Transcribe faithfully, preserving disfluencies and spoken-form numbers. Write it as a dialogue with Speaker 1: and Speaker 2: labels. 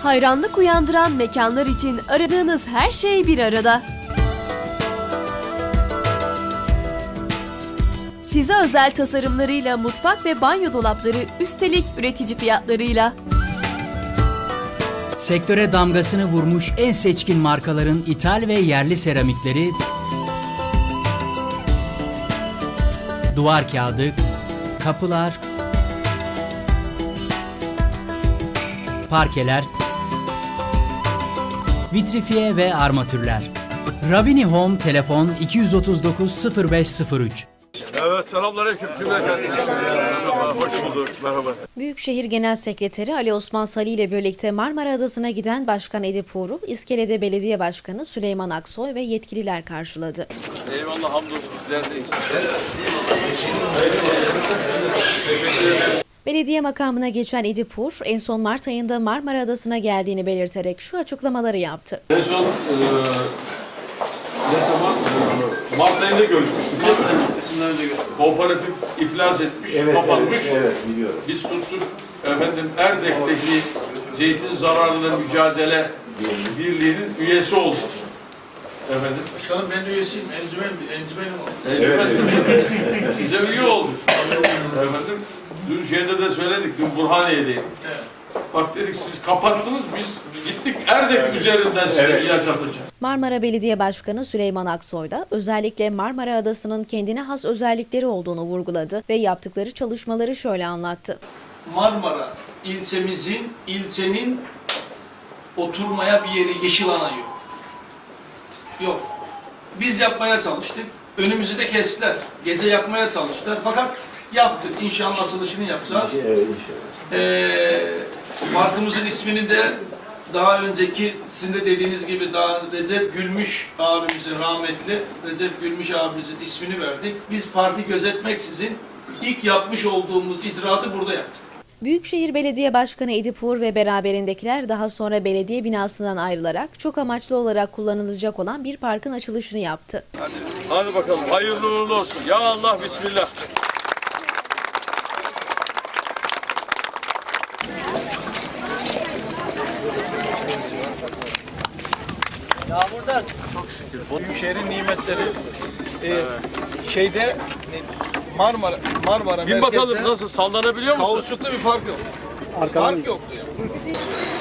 Speaker 1: Hayranlık uyandıran mekanlar için aradığınız her şey bir arada. Size özel tasarımlarıyla mutfak ve banyo dolapları, üstelik üretici fiyatlarıyla.
Speaker 2: Sektöre damgasını vurmuş en seçkin markaların ithal ve yerli seramikleri, duvar kağıdı, kapılar, parkeler, vitrifiye ve armatürler. Ravini Home telefon iki yüz otuz dokuz sıfır beş sıfır üç.
Speaker 3: Evet, selamünaleyküm. Merhaba, hoş bulduk. Merhaba.
Speaker 4: Büyükşehir Genel Sekreteri Ali Osman Sali ile birlikte Marmara Adası'na giden Başkan Edip Uğur'u İskele'de Belediye Başkanı Süleyman Aksoy ve yetkililer karşıladı.
Speaker 3: Eyvallah, hamdolsun sizlerdeyiz.
Speaker 4: Belediye makamına geçen Edip Uğur, en son Mart ayında Marmara Adası'na geldiğini belirterek şu açıklamaları yaptı.
Speaker 3: En son e, ne zaman? E, Mart ayında görüşmüştük. Mart ayında sesinden önce görüştük. Kooperatif iflas etmiş,
Speaker 5: evet,
Speaker 3: kapanmış.
Speaker 5: Evet, evet, biliyorum.
Speaker 3: Biz tuttuk efendim Erdek'teki zeytin zararıyla mücadele birliğinin üyesi olduk. Efendim.
Speaker 6: Başkanım ben de üyesiyim. Encümen, encümenim oldu.
Speaker 3: Evet, evet. Size üye olduk. Efendim. Dün şeyde de söyledik, dün Burhaniye'deyim.
Speaker 6: Evet.
Speaker 3: Bak dedik siz kapattınız, biz gittik Erdek evet. üzerinden size evet. ilaç atacağız.
Speaker 4: Marmara Belediye Başkanı Süleyman Aksoy da özellikle Marmara Adası'nın kendine has özellikleri olduğunu vurguladı ve yaptıkları çalışmaları şöyle anlattı.
Speaker 6: Marmara ilçemizin, ilçenin oturmaya bir yeri, yeşil alan yok. Yok. Biz yapmaya çalıştık. Önümüzü de kestiler. Gece yakmaya çalıştılar. Fakat yaptık. İnşallah açılışını yapacağız.
Speaker 5: Evet, inşallah.
Speaker 6: Ee, parkımızın ismini de daha önceki sizin de dediğiniz gibi daha Recep Gülmüş abimizin rahmetli Recep Gülmüş abimizin ismini verdik. Biz parti gözetmeksizin ilk yapmış olduğumuz icraatı burada yaptık.
Speaker 4: Büyükşehir Belediye Başkanı Edip Uğur ve beraberindekiler daha sonra belediye binasından ayrılarak çok amaçlı olarak kullanılacak olan bir parkın açılışını yaptı.
Speaker 3: Hadi, hadi bakalım, hayırlı uğurlu olsun. Ya Allah, bismillah.
Speaker 6: Yağmurdan çok şükür. Büyükşehir'in nimetleri e, şeyde Marmara Marmara
Speaker 3: Bin bakalım nasıl sallanabiliyor musun?
Speaker 6: Kauçuklu bir park yok. Park yoktu ya.